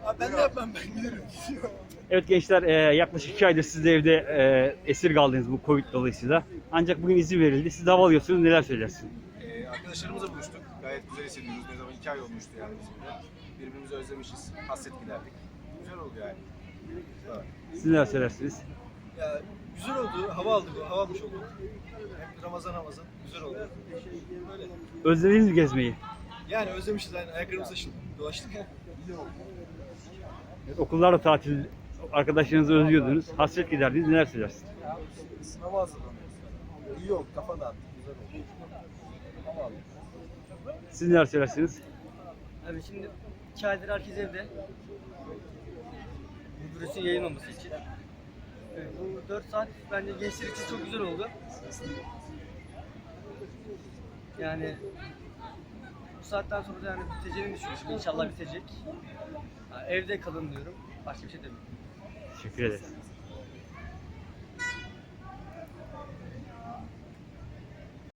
Abi ben de yapmam, ben giderim. Evet gençler, yaklaşık 2 aydır siz de evde esir kaldınız bu Covid dolayısıyla. Ancak bugün izin verildi. Siz de hava alıyorsunuz. Neler söylersiniz? Arkadaşlarımızla buluştuk. Gayet güzel hissediyoruz. Ne zaman 2 ay olmuştu yani bizim de. Birbirimizi özlemişiz. Hasret giderdik. Güzel oldu yani. Evet. Siz neler söylersiniz? Ya güzel oldu, hava aldık, hava almış olduk. Hem Ramazan güzel oldu. Böyle. Özlediniz mi gezmeyi? Yani özlemişiz, yani ayaklarımız taşındı, dolaştık. Evet, okullar da tatil, arkadaşlarınızı özlüyordunuz. Hasret giderdiniz. Neler söylersiniz? Sınava hazırlanıyoruz. İyi oldu, kafa dağıttık, güzel oldu. Hava aldık. Siz neler söylersiniz? Abi şimdi 2 aydır herkes evde. Bu virüsün yayılmaması için. Bu 4 saat bence gençler için çok güzel oldu. Yani bu saatten sonra da yani biteceğini düşünüyorum. İnşallah bitecek. Yani evde kalın diyorum. Başka bir şey demiyorum. Teşekkür ederiz.